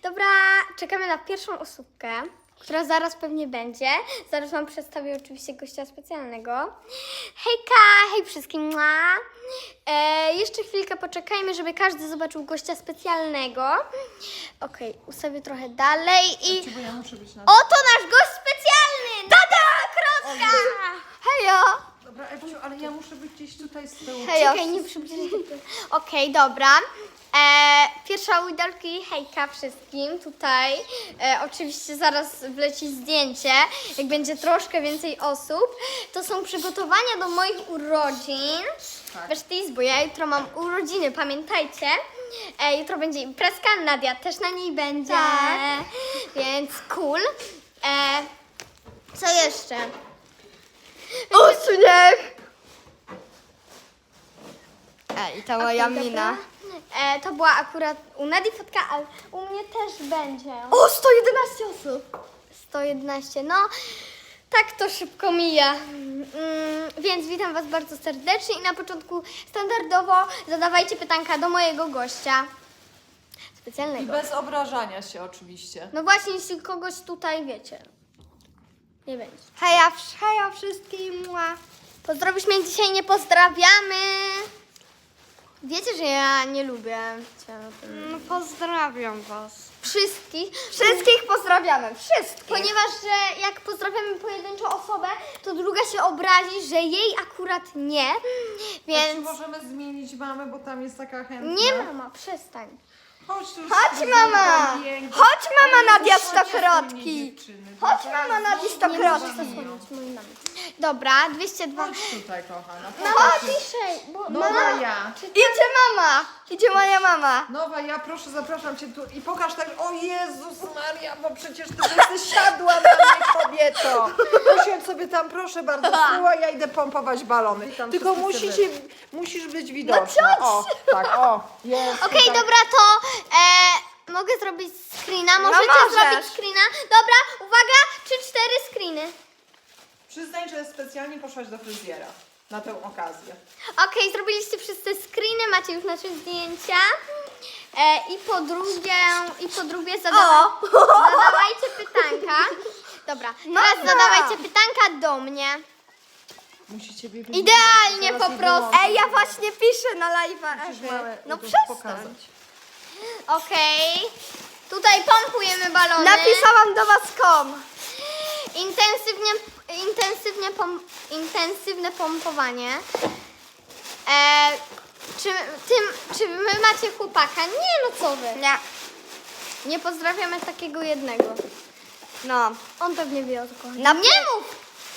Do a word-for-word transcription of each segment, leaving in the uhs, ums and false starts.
Dobra, czekamy na pierwszą osóbkę, która zaraz pewnie będzie. Zaraz wam przedstawię oczywiście gościa specjalnego. Hejka, hej wszystkim. Mua. E, jeszcze chwilkę poczekajmy, żeby każdy zobaczył gościa specjalnego. Okej, okay, ustawię trochę dalej i... Bo ja muszę być na... Oto nasz gość specjalny! Dada Krocka! Hejo! Dobra, Ewciu, ale ja muszę być gdzieś tutaj z tyłu. Hejo. Czekaj, nie przybliżę. Okej, okay, dobra. E, pierwsza widolki, hejka wszystkim tutaj. E, oczywiście zaraz wleci zdjęcie, jak będzie troszkę więcej osób. To są przygotowania do moich urodzin. Tak. Wiesz, bo ja jutro mam urodziny, pamiętajcie. E, jutro będzie imprezka, Nadia też na niej będzie. Tak. Więc cool. E, co jeszcze? Uśmiech! Ej, ta moja Okej, mina. dobra. E, to była akurat u Nadii fotka, ale u mnie też będzie. O, sto jedenaście osób! sto jedenaście, no tak to szybko mija. Mm, więc witam was bardzo serdecznie i na początku standardowo zadawajcie pytanka do mojego gościa I specjalnego. bez obrażania się oczywiście. No właśnie, jeśli kogoś tutaj wiecie, nie będzie. Heja, heja wszystkim! Mua. Pozdrowisz mnie dzisiaj, nie pozdrawiamy. Wiecie, że ja nie lubię cię o tym. No, pozdrawiam was. Wszystkich. Wszystkich pozdrawiamy, wszystkich. Ponieważ, że jak pozdrawiamy pojedynczą osobę, to druga się obrazi, że jej akurat nie, Więc... więc... możemy zmienić mamę, bo tam jest taka chętna. Nie mama, przestań. Chodź tu. Chodź, z- mama! piękna. Chodź, mama Ale Nadia chodźcie Stokrotki! mnie, dziewczyny. Chodź, Teraz mama Nadia znowu Stokrotki! Nie z możesz wami. zasłonić mojej mamy. Dobra, dwieście dwa. Chodź tutaj, kochana. No Popatrz. chodź ciszej, bo Nowa mama... ja. Idzie mama! Idzie moja mama! Nowa ja, proszę, zapraszam cię tu i pokaż tak. O Jezus Maria, bo przecież ty jesteś siadła na mnie, kobieto. Usiądź sobie tam, proszę bardzo, z tyłu, a ja idę pompować balony. Tylko musisz, musisz być widoczna. O, tak, o, jest. Okej, tak. dobra, to e, mogę zrobić screena, możecie możesz. zrobić screena. Dobra, uwaga, trzy, cztery screeny. Przyznań, że specjalnie poszłaś do fryzjera na tę okazję. Okej, zrobiliście wszyscy screeny, macie już nasze zdjęcia. E, I po drugie, i po drugie zadawa zadawajcie pytanka. Dobra, teraz Dobra. zadawajcie pytanka do mnie. Musicie mnie Idealnie po prostu. Ej, ja właśnie piszę na live'a. No przestań. pokazać. Okej, tutaj pompujemy balony. Napisałam do was kom. Intensywnie, intensywnie pom, intensywne pompowanie. E, czy, tym, czy wy macie chłopaka? Nie, no co wy. Nie. Nie pozdrawiamy takiego jednego. No. On pewnie wie o co chodzi. Na Nie mów!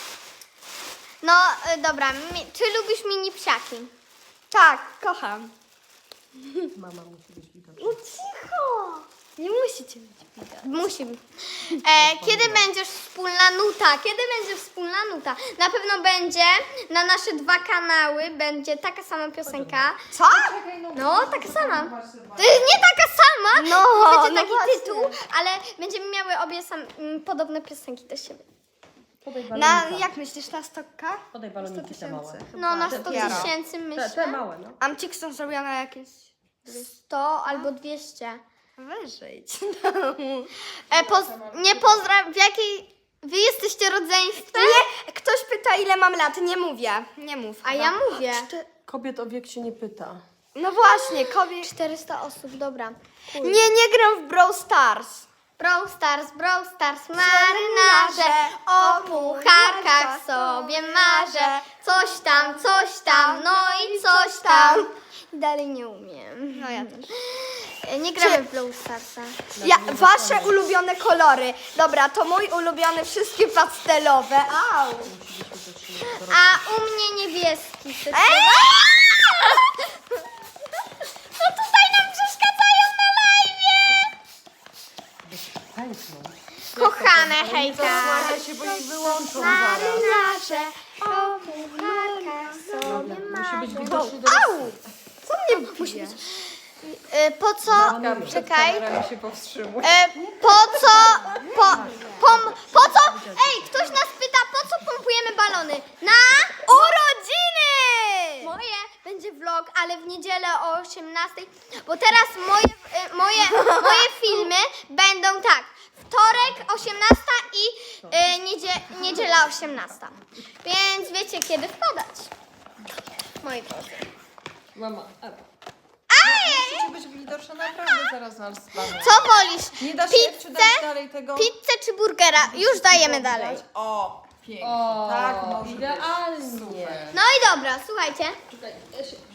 No y, dobra, mi, czy lubisz mini psiaki? Tak, kocham. Mama musi być widoczna. No cicho. Nie musicie mieć widać. Musi. E, kiedy będziesz wspólna nuta? Kiedy będzie wspólna nuta? Na pewno będzie na nasze dwa kanały, będzie taka sama piosenka. Co? No, taka sama. To jest nie taka sama, No, będzie no taki właśnie. tytuł, ale będziemy miały obie sam, m, podobne piosenki do siebie. Podaj Na, balonika. jak myślisz, na stokka? Podaj baloniki te małe. No, na sto Dopiero. tysięcy Te, te myślę. małe, no. Amcik są zrobione jakieś sto albo dwieście. wyżej. E, poz, nie pozdraw, w jakiej... Wy jesteście rodzeństwem? Nie, ktoś pyta ile mam lat, nie mówię. Nie mów. A chyba. ja mówię. Kobiet o wiek się nie pyta. No właśnie, kobiet. czterysta osób, dobra. Cool. Nie, nie gram w Brawl Stars. Brawl Stars, Brawl Stars, marynarze, o pucharkach sobie marzę. Coś tam, coś tam, no i coś tam. Dalej nie umiem. No ja też. E, Nie gramy w Brawl Starsa. Ja, wasze ulubione kolory. Dobra, to mój ulubiony, wszystkie pastelowe. Au. A u mnie niebieski. Ej! No tutaj nam przeszkadzają na live. Pękną. Kochane, hejka. Zasłania się, bo ich wyłączą zaraz. Marynarze, o pucharkach sobie Musi być marzę. widoczny do Au! Co mnie bije? E, Po co? Przed Czekaj. kamerami się powstrzymuje. E, po co? Po, pom, po co? Ej, ktoś nas pyta, po co pompujemy balony? Na Urodziny! moje będzie vlog, ale w niedzielę o osiemnastej, bo teraz moje, y, moje, moje filmy będą tak, wtorek osiemnasta i y, niedzie, niedziela osiemnasta. Więc wiecie kiedy wpadać. Moi drodzy. Mama, Ewa. Musicie być widoczne naprawdę zaraz nas zbawią. Co wolisz? Nie da się czy dać Pizzę, dalej tego? pizzę czy burgera? Już dajemy dalej. O, pięknie. O, tak może idealnie. być. Super. No i dobra, słuchajcie. Czekaj, ja się...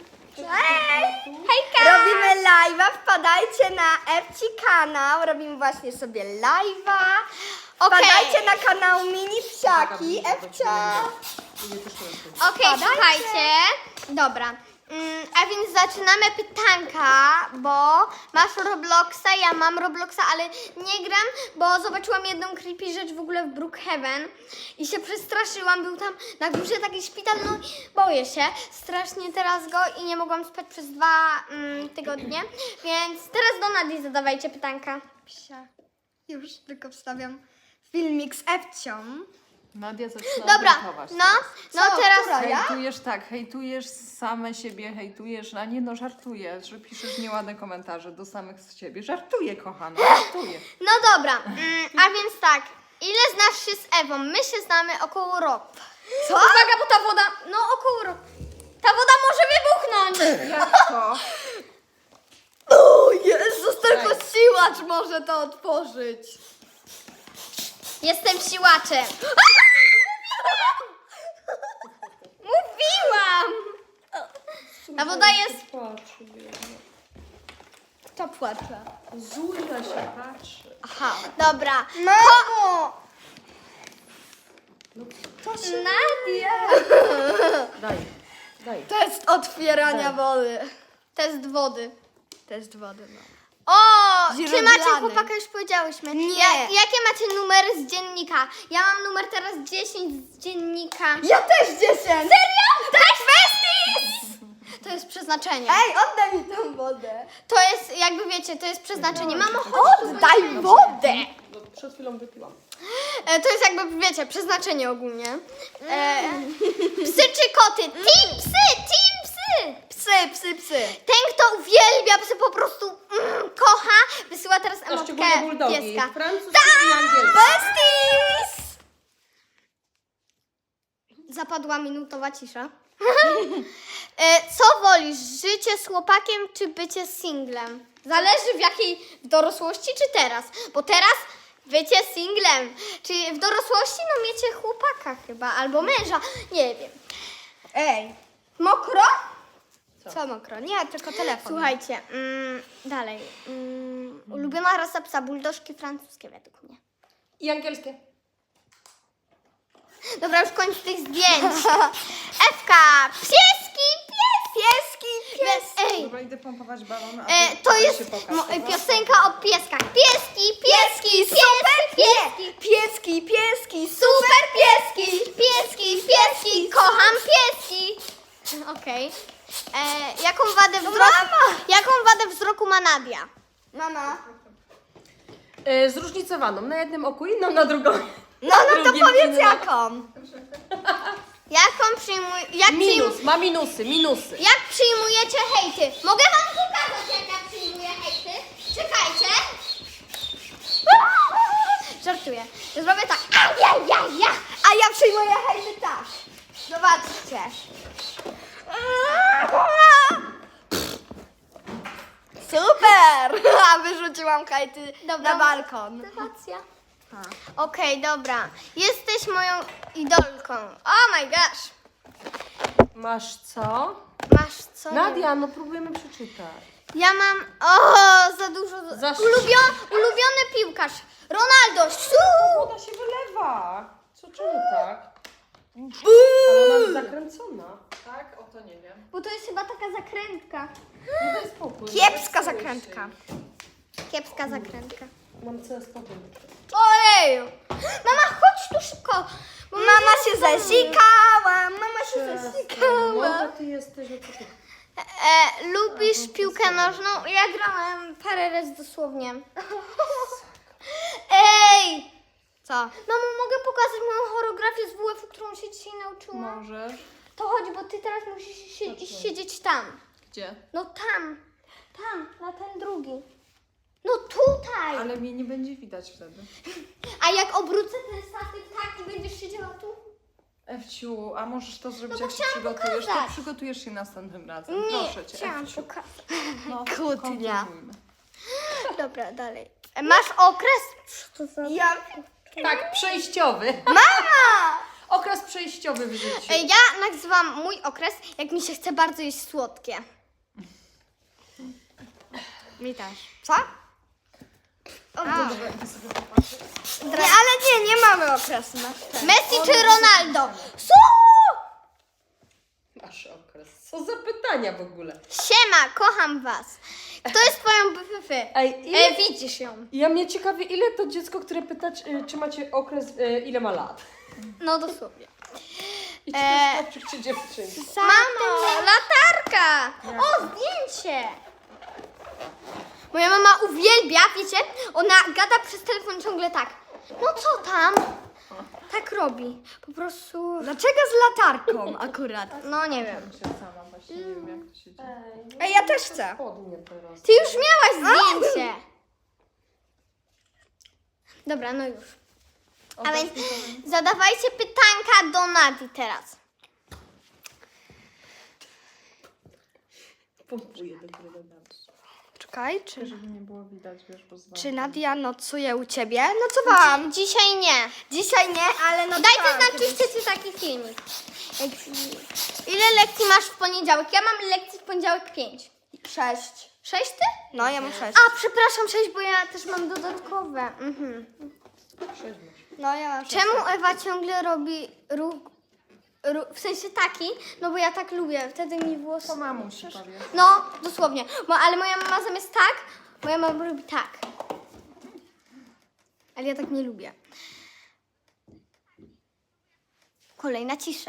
Hejka! Robimy live'a, wpadajcie na Ewci kanał, robimy właśnie sobie live'a. Okej. Wpadajcie na kanał Mini Psiaki, Ewcia. Okej, słuchajcie. Dobra. Mm, a więc zaczynamy pytanka, bo masz Robloxa, ja mam Robloxa, ale nie gram, bo zobaczyłam jedną creepy rzecz w ogóle w Brookhaven i się przestraszyłam. Był tam na górze taki szpital, no i boję się strasznie teraz go i nie mogłam spać przez dwa mm, tygodnie, więc teraz do Nadii zadawajcie pytanka. Psia. Już tylko wstawiam filmik z Ewcią. Nadia zaczyna Dobra, hejtować no, teraz. no Co, teraz... która? Ja? Hejtujesz tak, hejtujesz same siebie, hejtujesz, a nie no żartujesz, że piszesz nieładne komentarze do samych z siebie. Żartuję, kochana, żartuję. No dobra, mm, a więc tak, ile znasz się z Ewą? My się znamy około roku. Co? Uwaga, bo ta woda, no około roku. Ta woda może wybuchnąć. Jak to? O Jezus, tylko siłacz może to otworzyć. Jestem siłaczem. Mówiłam. Ta woda jest... Patrzy, biedna. Kto płacze? Zuzia się patrzy. Aha. Dobra. Mamo! Nadia. Daj, daj. Test otwierania wody. Test wody. Test wody, no. O, czy Źródlany. macie chłopaka? Już powiedziałyśmy. Nie. Ja, jakie macie numery z dziennika? Ja mam numer teraz dziesięć z dziennika. Ja też dziesięć! Serio? Tak, besties! To jest przeznaczenie. Ej, oddaj mi tą wodę. To jest, jakby wiecie, to jest przeznaczenie. Mam ochotę. Oddaj wodę! No, przed chwilą wypiłam. E, to jest jakby, wiecie, przeznaczenie ogólnie. E, psy czy koty? Team psy, team psy! Psy, psy, psy. Ten, kto uwielbia psy, po prostu mm, kocha, wysyła teraz A emotkę szczególnie bulldogi. pieska. Francuskie i angielskie. Besties! Zapadła minutowa cisza. e, co wolisz, życie z chłopakiem czy bycie singlem? Zależy w jakiej, w dorosłości czy teraz? Bo teraz bycie singlem. Czyli w dorosłości no miecie chłopaka chyba, albo męża, nie wiem. Ej, Mokro? co mokro? Nie, tylko telefon. Słuchajcie, mm, dalej. Mm, ulubiona rasa psa, buldożki francuskie według mnie. I angielskie. Dobra, już koniec tych zdjęć. Ewka, pieski, pies, pieski, pies. Ej, Dobra, idę pompować balon, a e, ty to weź jest się pokaż, mo, dobra? piosenka o pieskach. Pieski, pieski, pieski, pieski, Pieski, pieski, super pieski, pieski, pieski, kocham pieski. Okej. E, Jaką wadę wzroku, jaką wadę wzroku ma Nadia? Mama. E, zróżnicowaną. Na jednym oku, inną na drugą. No, no to drugim powiedz inną. jaką. Jaką przyjmuj, jak, przyjm, Minus, ma minusy, minusy. jak przyjmujecie hejty? Mogę wam pokazać, jak ja przyjmuję hejty? Czekajcie. Żartuję. Zrobię tak. A ja, ja, ja. A ja przyjmuję hejty tak. Zobaczcie. Super! A wyrzuciłam hejty na balkon. Motywacja. Okej, dobra. Jesteś moją idolką. Oh my gosh. Masz co? Masz co? Nadia, no próbujemy przeczytać. Ja mam... O, za dużo... Za- Ulubio, ulubiony piłkarz. Ronaldo. Siu! Woda się wylewa. Co, czemu tak? Ale ona jest zakręcona. Tak? O to nie wiem. Bo to jest chyba taka zakrętka. No daj spokój. Kiepska zarejestruj zakrętka. Kiepska zakrętka. się. Mam całe spokój. Ojeju! Mama, chodź tu szybko. Bo Mama się zasikała, mama się Młoda zasikała. ty jesteś, o co ty? E, lubisz piłkę nożną? Ja grałem parę razy dosłownie. Ej! Co? Mamo, mogę pokazać moją choreografię z W F-u, którą się dzisiaj nauczyłam? Możesz. To chodź, bo ty teraz musisz się, iść siedzieć tam. Gdzie? No tam, tam, na ten drugi. No tutaj. Ale mnie nie będzie widać wtedy. A jak obrócę ten statyw tak i będziesz siedziała tu? Ewciu, a możesz to zrobić, No bo jak się chciałam przygotujesz? pokazać. To przygotujesz się następnym razem. Nie, Proszę cię, chciałam Ewciu. pokazać. No, Kłótnia. kontynuujmy. Dobra, dalej. E, Masz okres? Co to za... Ja... Tak, przejściowy. Mama! Okres przejściowy w życiu. E, Ja nazywam mój okres, jak mi się chce bardzo jeść słodkie. Mi też. Co? O, Dobrze, idę sobie popatrzeć. nie, ale nie, nie mamy okresu. na ten. Messi czy Ronaldo? Co? Masz okres. Co za pytania w ogóle? Siema, kocham was. Kto jest twoją B F F? Ej, ile... E, widzisz ją. Ja mnie ciekawi, ile to dziecko, które pyta, czy, czy macie okres, y, ile ma lat? No dosłownie. I czy to Eee. jest chłopczyk, czy dziewczynka? Mamo, latarka! O, zdjęcie! Moja mama uwielbia, wiecie, ona gada przez telefon ciągle tak. No co tam? Tak robi. Po prostu, Dlaczego z latarką akurat? no nie wiem. Ja się sama właśnie nie wiem, jak to się dzieje. Ej, ja też chcę. Spodnie teraz. Ty już miałaś zdjęcie. Dobra, no już. A więc zadawajcie pytanka do Nadi teraz. Pompuję do góry dobrze. Czekaj, czy, Żeby nie było widać, wiesz, bo zwalczam. czy Nadia nocuje u ciebie? Nocowałam. Dzisiaj nie. Dzisiaj nie, ale nocowałam. Dajcie znać, czy chcecie taki filmik. Ile lekcji masz w poniedziałek? Ja mam lekcji w poniedziałek pięć. Sześć. Sześć ty? No, ja mam sześć. A, przepraszam, sześć, bo ja też mam dodatkowe. Mhm. Sześć masz. No, ja mam sześć. Czemu Ewa ciągle robi ruch, ruch, w sensie taki? No bo ja tak lubię, wtedy mi włosy... To mamusi powie. No, dosłownie. Bo, ale moja mama zamiast tak, moja mama robi tak. Ale ja tak nie lubię. Kolejna cisza.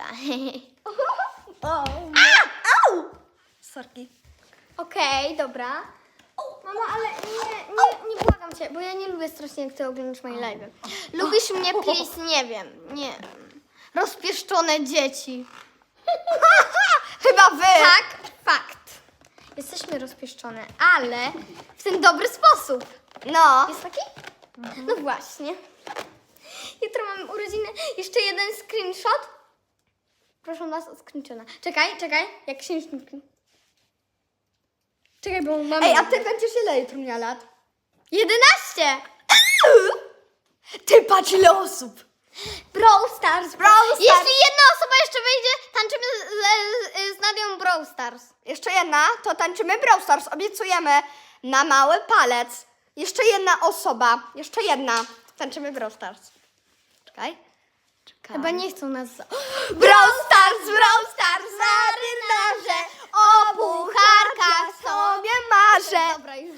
Sorki. Okej, dobra. Mama, ale nie, nie, nie błagam cię, bo ja nie lubię strasznie, jak ty oglądasz moje live. Lubisz mnie, please? Nie wiem, nie wiem. Rozpieszczone dzieci. Chyba wy. Tak, fakt. Jesteśmy rozpieszczone, ale w ten dobry sposób. No. Jest taki? No właśnie. Jutro mamy urodziny. Jeszcze jeden screenshot. Proszę nas o screenshota. Czekaj, czekaj. Jak księżnik. Czekaj, bo mamy... Ej, a ty będziesz ile jutro miała lat? jedenaście! Ty patrz ile osób. Brawl Stars. Brawl Stars. Jeśli jedna osoba jeszcze wyjdzie, tańczymy z, z, z Nadią Brawl Stars. Jeszcze jedna, to tańczymy Brawl Stars. Obiecujemy na mały palec. Jeszcze jedna osoba. Jeszcze jedna. Tańczymy Brawl Stars. Czekaj. Czekaj. Chyba nie chcą nas... Za... Brawl Stars, Brawl Stars, marynarze, o pucharkach sobie marzę. Dobra, już.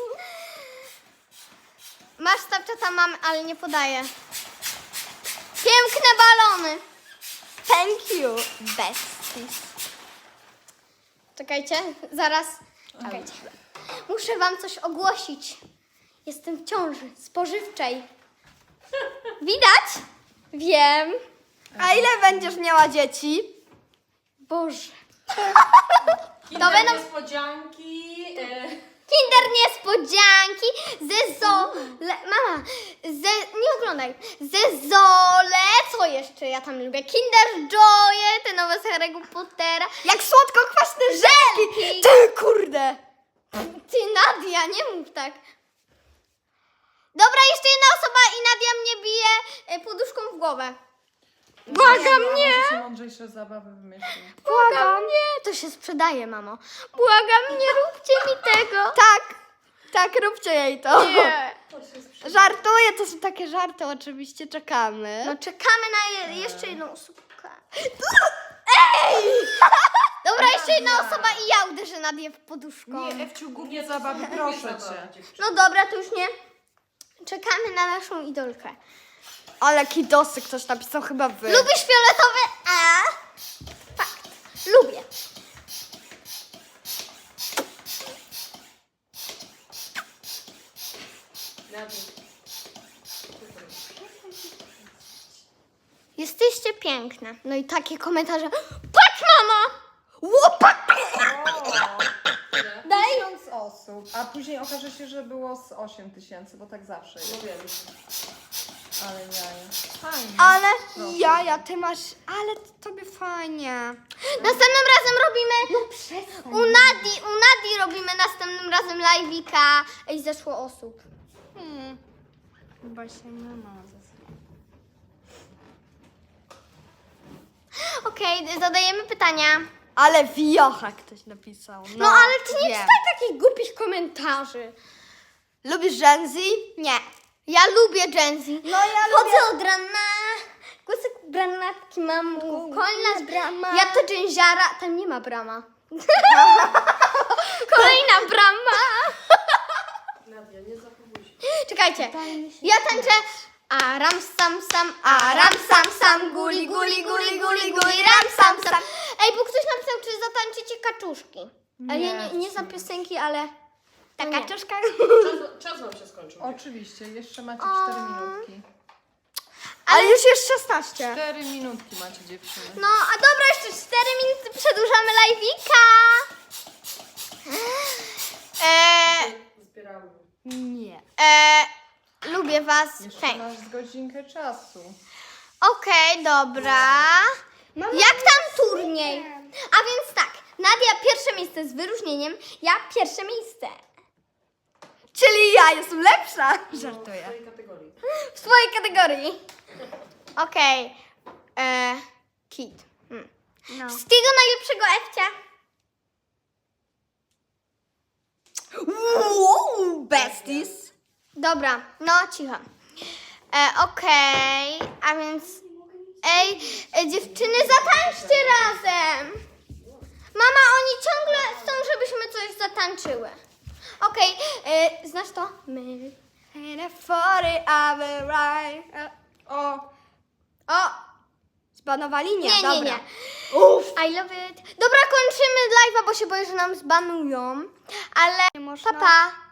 Masz Snapchata, mam, ale nie podaję. Piękne balony. Thank you, besties. Czekajcie, zaraz. Czekajcie. Muszę wam coś ogłosić. Jestem w ciąży spożywczej. Widać? Wiem. A ile będziesz miała dzieci? Boże. Kinder będą- niespodzianki. E... Kinder niespodzianki ze zole... Mama, ze... nie oglądaj. Ze zole... Co jeszcze ja tam lubię? Kinder Joye, te nowe z Harry'ego Pottera. Jak słodko-kwaśne żelki. Żelki. Ty kurde. Ty, Nadia, nie mów tak. Dobra, jeszcze jedna osoba i Nadia mnie bije e, poduszką w głowę. Błagam, nie! Może się mądrzejsze zabawy wymyślić. Błagam, nie. To się sprzedaje, mamo. Błagam, nie róbcie mi tego. Tak, tak, róbcie jej to. Nie. Żartuję, to są takie żarty, oczywiście czekamy. No czekamy na je, jeszcze jedną osobkę. Ej! Dobra, jeszcze jedna osoba i ja uderzę Nadię w poduszką. Nie, Ewciu, głupie zabawy, proszę cię. No dobra, to już nie. Czekamy na naszą idolkę. Ale kidosy ktoś napisał chyba wy. Lubisz fioletowe? A? Fakt. Lubię. Jesteście piękne. No i takie komentarze. Patrz Łopak! Daj. Tysiąc osób, a później okaże się, że było z osiem tysięcy, bo tak zawsze No jest. wiem. Ale jaja. Fajnie. Ale Proszę. jaja, ty masz... Ale tobie fajnie. Następnym razem robimy... U Nadi, u Nadi robimy następnym razem live'ika. Ej, zeszło osób. Hmm. Chyba się nie ma ze sobą. Okej, zadajemy pytania. Ale wiocha ktoś napisał. No, No, ale ty nie wiem. czytaj takich głupich komentarzy. Lubisz Gen Z? Nie. Ja lubię Gen Z. No ja Chodzę od rana. Głosek granatki mam. Kolejna brama. Ja to dżęziara. Tam nie ma brama. Kolejna brama. Nadia, nie zachowuj się. Czekajcie. Ja tańczę. A ram sam sam, a ram sam sam, guli guli guli guli guli, ram sam sam. Ej, bo ktoś napisał, czy zatańczycie kaczuszki. Ale nie, nie, nie za piosenki, ale ta Ta nie. kaczuszka? Czas, czas wam się skończył. Oczywiście, jeszcze macie cztery minutki. Ale już jest szesnaście. Cztery minutki macie, dziewczyny. No, a dobra, jeszcze cztery minuty przedłużamy live'ika. Eee, Zbieramy. Nie. eee, lubię was. Jeszcze Cześć. masz z godzinkę czasu. Okej, dobra. Jak tam turniej? A więc tak, Nadia pierwsze miejsce z wyróżnieniem, ja pierwsze miejsce. Czyli ja jestem lepsza. Żartuję. W tej kategorii. W swojej kategorii. Okej. Eee, Kit. Hmm. No. Wszystkiego najlepszego, Ewcia. Wow, besties. Dobra, no cicho. E, Okej, a więc... Ej, e, dziewczyny, zatańczcie razem. Mama, oni ciągle chcą, żebyśmy coś zatańczyły. Okej, e, znasz to? My. In a forty hour ride. O, O, Zbanowali? Nie, nie, nie, dobra. nie. Uff. I love it. Dobra, kończymy live'a, bo się boję, że nam zbanują. Ale Nie można. papa. Pa.